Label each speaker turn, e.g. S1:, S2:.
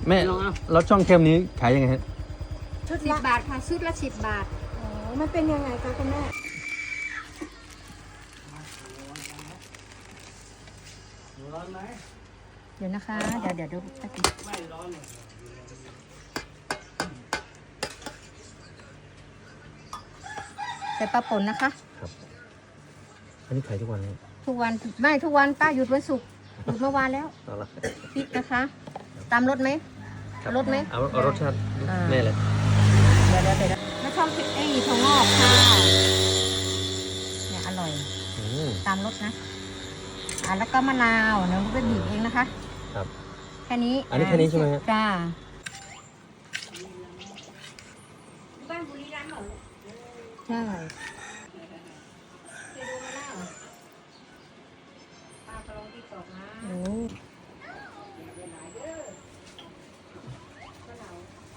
S1: แม่แล้วช่องเค็มนี้ขายยังไงฮะ
S2: ชุด10 บาทค่ะชุดละ10 บาท
S3: อ๋อมันเป็นยังไงคะคุณแม่
S2: เดี๋ยวนะคะเดี๋ยวดูสักทีใส่ปลาป่นนะคะ
S1: ครับอันนี้ขายทุกวันเลย
S2: ทุกวันไม่ทุกวันป้าหยุดวันศุกร์หยุดเมื่อวานแล้ว
S1: เอาละ
S2: พริกนะคะ ตามรสไหม
S1: ครับ
S2: รสไหม
S1: เอารสชาติ
S2: อ่า
S1: แม่เลย
S2: เดี๋ยวแล้วชอบพริกถั่วงอกค่ะเนี่ยอร่อย
S1: อืม
S2: ตามรสนะแล้วก็มะนาวเดี๋ยวไปบีบเองนะคะ
S1: ครับ
S2: แค่นี้
S1: อันนี้แค่นี้ใช่ไหมฮะ
S2: จ้า
S3: บ้านบุรีรัมย์เหรอ
S2: ใช่